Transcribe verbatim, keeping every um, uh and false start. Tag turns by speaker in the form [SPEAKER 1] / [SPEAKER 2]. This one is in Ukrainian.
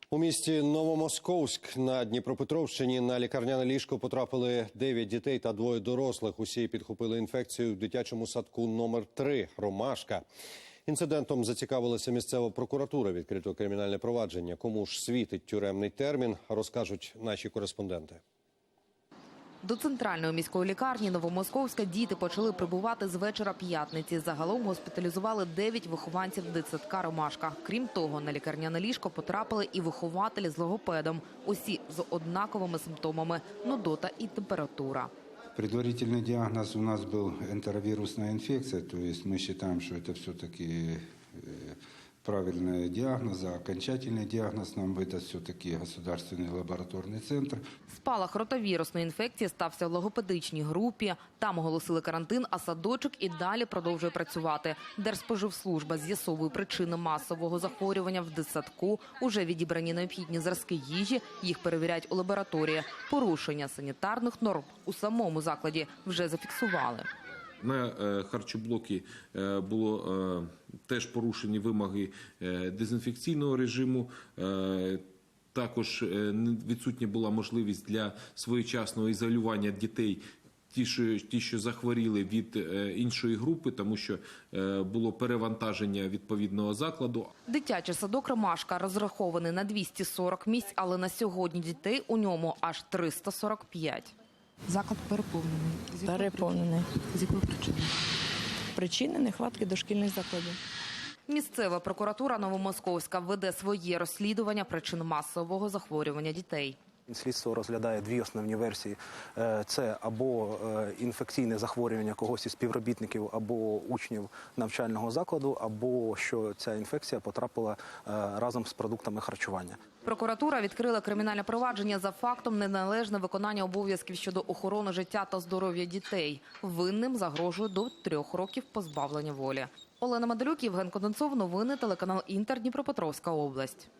[SPEAKER 1] У місті Новомосковськ на Дніпропетровщині на лікарняне ліжко потрапили дев'ять дітей та двоє дорослих. Усі підхопили інфекцію в дитячому садку номер три «Ромашка». Інцидентом зацікавилася місцева прокуратура. Відкрито кримінальне провадження. Кому ж світить тюремний термін, розкажуть наші кореспонденти.
[SPEAKER 2] До центральної міської лікарні Новомосковська діти почали прибувати з вечора п'ятниці. Загалом госпіталізували дев'ять вихованців дитсадка «Ромашка». Крім того, на лікарняне ліжко потрапили і вихователі з логопедом. Усі з однаковими симптомами – нудота і температура.
[SPEAKER 3] Предварительный диагноз у нас был энтеровирусная инфекция, то есть мы считаем, что это все-таки правильный диагноз, а окончательный диагноз нам выдаст все-таки государственный лабораторный центр.
[SPEAKER 2] Спалах ротавірусної інфекції стався в логопедичній групі. Там оголосили карантин, а садочок і далі продовжує працювати. Держспоживслужба з'ясовує причини масового захворювання в дитсадку. Уже відібрані необхідні зразки їжі, їх перевіряють у лабораторії. Порушення санітарних норм у самому закладі вже зафіксували.
[SPEAKER 4] На харчоблокі було теж порушені вимоги дезінфекційного режиму. Також відсутня була можливість для своєчасного ізолювання дітей, ті, що, ті, що захворіли від іншої групи, тому що було перевантаження відповідного закладу.
[SPEAKER 2] Дитячий садок «Ромашка» розрахований на двісті сорок місць, але на сьогодні дітей у ньому аж триста сорок п'ять.
[SPEAKER 5] Заклад переповнений.
[SPEAKER 6] Переповнений.
[SPEAKER 5] З якої причини?
[SPEAKER 6] Причини – нехватки дошкільних закладів.
[SPEAKER 2] Місцева прокуратура Новомосковська веде своє розслідування причин масового захворювання дітей.
[SPEAKER 7] Слідство розглядає дві основні версії. Це або інфекційне захворювання когось із співробітників або учнів навчального закладу, або що ця інфекція потрапила разом з продуктами харчування.
[SPEAKER 2] Прокуратура відкрила кримінальне провадження за фактом неналежного виконання обов'язків щодо охорони життя та здоров'я дітей. Винним загрожує до трьох років позбавлення волі. Олена Медалюк, Євген Конденцов. Новини телеканал Інтер. Дніпропетровська область.